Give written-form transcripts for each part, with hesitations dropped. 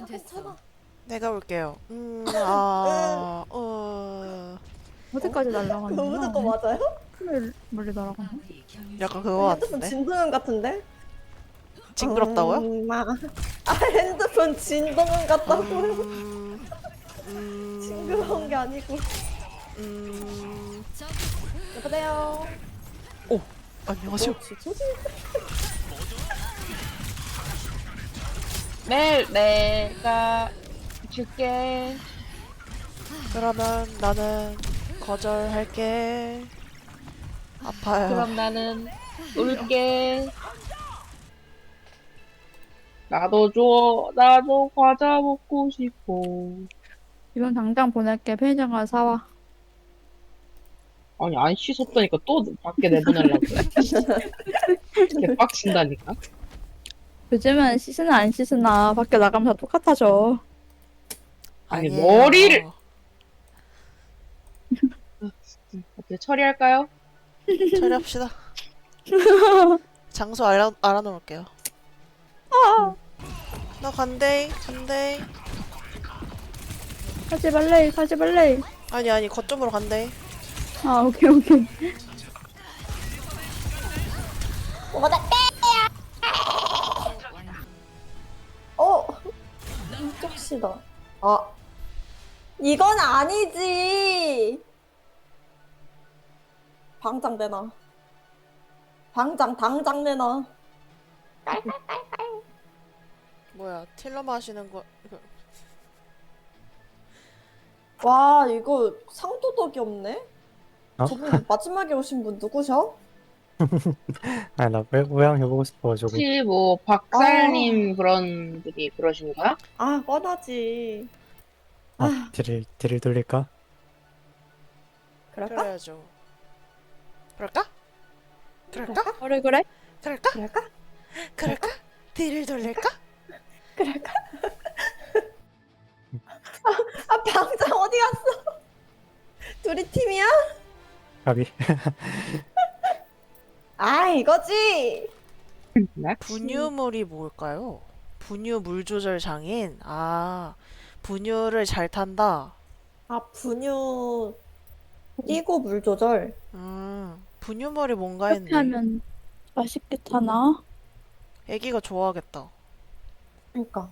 준비되면 됐어. 내가 올게요. 어디까지 그거 날아가는구나. 무조건 맞아요? 멀리 날아가나? 약간 그거 핸드폰 같은데? 진동음 같은데? 징그럽다고요? 핸드폰 진동음 같다고요? 음, 징그러운 게 아니고. 여보세요. 오, 안녕하세요. 뭐지? 내가 줄게. 그러면 나는 거절할게. 아파요. 그럼 나는 울게. 나도 줘. 나도 과자 먹고 싶어. 이건 당장 보낼게. 편의점 가서 사와. 아니, 안 씻었다니까 또 밖에 내보내려고 그래. 개빡친다니까. 요즘은 씻으나 안 씻으나 밖에 나가면 다 똑같아져. 아니, 아니에요. 머리를. 어떻게 처리할까요? 처리합시다. 장소 알아놓을게요. 나 간대. 가지 말래, 가지 말래. 아니, 거점으로 간대. 아, 오케이, 오케이. 뭐다 어? 쪽시다. 아. 이건 아니지. 방장 내놔. 당장 내놔. 뭐야, 틸러마 하시는 거. 와, 이거 상도덕이 없네? 어? 저분 마지막에 오신 분 누구셔? 아, 나 모양 해보고 싶어가지고. 혹시 뭐, 박살님 그런 분이 그러신 거야? 아, 뻔하지. 아, 딜을 돌릴까? 그럴까? 그래야죠. 그럴까? 그래, 그래? 그럴까? 딜을 돌릴까? 그럴까? 아, 방장 어디 갔어? 둘이 팀이야? 가비. 아, 이거지. 분유물이 뭘까요? 분유 물 조절 장인? 아, 분유를 잘 탄다. 아, 분유 띄고 물 조절. 분유물이 뭔가 이렇게 했네. 하면 맛있겠다나? 애기가 좋아하겠다. 그러니까.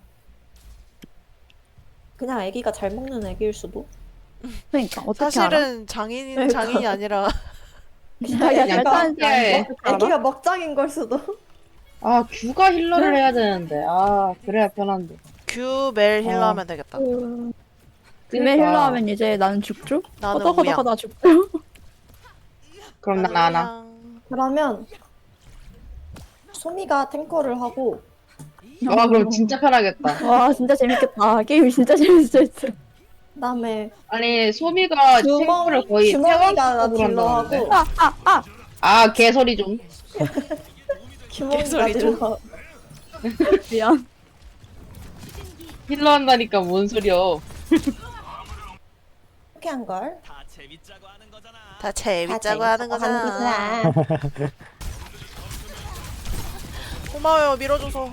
그냥 애기가 잘 먹는 애기일 수도. 그러니까, 어떻게 알아? 사실은 장인이 아니라 자기가 잘 타는지 안 예. 어떻게 알아? 애기가 먹장인 걸 수도. 아, 규가 힐러를 해야 되는데. 아, 그래야 편한데. 규멜 힐러 하면 되겠다. 금에 그러니까. 힐러 하면 이제 나는 죽죠? 나는 허덕허덕 우양. 하다 죽죠? 그럼 난 안 함. 그러면 소미가 탱커를 하고 와, 그럼 진짜 편하겠다. 와, 진짜 재밌겠다. 게임 진짜 재밌었어. 그다음에 아니, 소미가 탱크를 거의 규몽이가 태왕급으로 딜러하고 한다는데. 아, 개소리 좀. 규몽이가 개소리 좀. 딜러. 미안. 힐러 한다니까 뭔 소리야. 이렇게 한 걸. 다 재밌자고 하는 거잖아. 거잖아. 고마워요, 밀어줘서.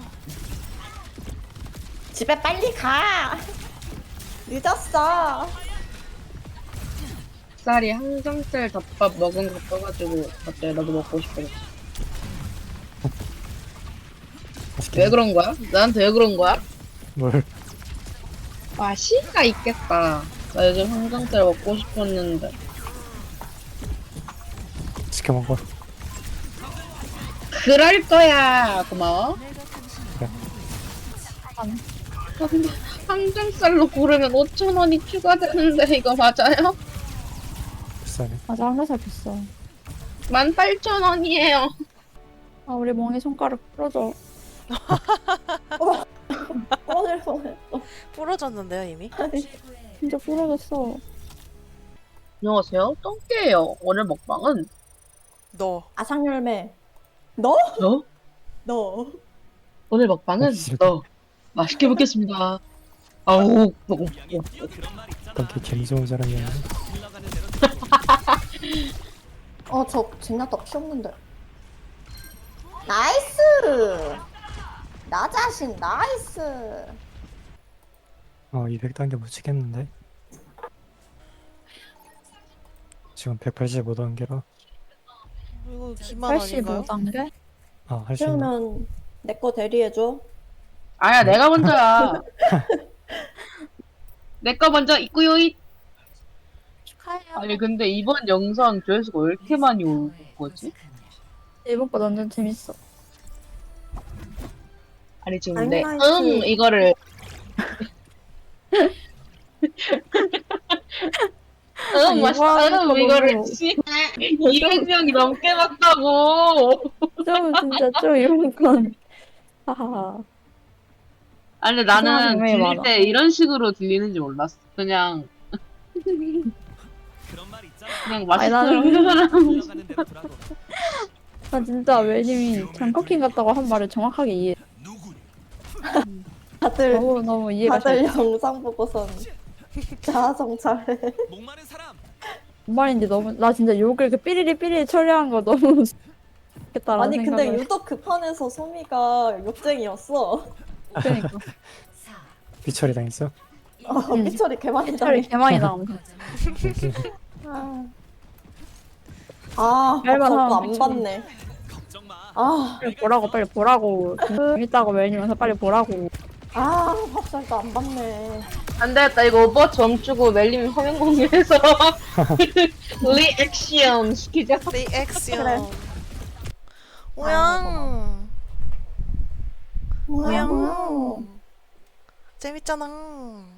집에 빨리 가. 늦었어. 쌀이 항정살 덮밥 먹은 거 떠가지고 갑자기 나도 먹고 싶어졌어. 맛있게. 왜 그런 거야? 나한테 왜 그런 거야? 뭘. 맛이가 있겠다. 나 요즘 항정살 먹고 싶었는데. 시켜 먹어. 그럴 거야. 고마워. 그래. 아, 근데 항정살로 고르면 5,000원이 추가되는데 이거 맞아요? 비싸네. 맞아, 항상 비싸. 18,000원이에요. 아, 우리 멍이 손가락 부러져. 오늘 보냈어. 부러졌는데요, 이미? 진짜 부러졌어. 안녕하세요. 똥개예요. 오늘 먹방은 너. 아상열매. 너? 너? 너. 오늘 먹방은 너. 맛있게 먹겠습니다. 아우, 어떤 게 개미 좋은 사람이었네. 저 젠나떡 키웠는데. 나이스. 나 자신 나이스. 200단계 못 치겠는데? 지금 185단계라. 이거 기만 아닌가요? 85단계? 할 수 있나? 그러면 내 거 대리해줘. 아야 내가 먼저야. 내 거 먼저 있고요. 축하해요. 아니 근데 이번 영상 조회수가 왜 이렇게 많이 올 거지? 이번 거 완전 재밌어. 아니 지금 내 아이라이트. 이거를 맛있다 이거를 200명이 넘게 봤다고. 좀 진짜 좀 이런 건 하하. 아니 근데 나는 이상한 분명히 들릴 많아. 때 이런 식으로 들리는지 몰랐어. 그냥 아니, 나는- 나 진짜 웰님이 장커킹 같다고 한 말을 정확하게 이해. 다들 너무 이해가 잘. 다들 영상 보고선 자아성찰해. 뭔 말인지 너무 나 진짜 욕을 그 삐리리 처리한 거 너무 좋겠다라는 아니 근데 생각을. 유독 그 판에서 소미가 욕쟁이였어. 그러니까 삐처리 당했어? 삐처리 개 많이 처리 당해. 개많이 나오면서. 저거 사람 안 봤네. 빨리 보라고 빨리 보라고. 재밌다고 웰님면서 빨리 보라고. 밥살도 안 봤네. 안 되겠다. 이거 오버워치 멈추고 멜님 화면 공유해서 리액션 시키자. 리액션. 그래. 오양. 뭐야. 오양. 재밌잖아.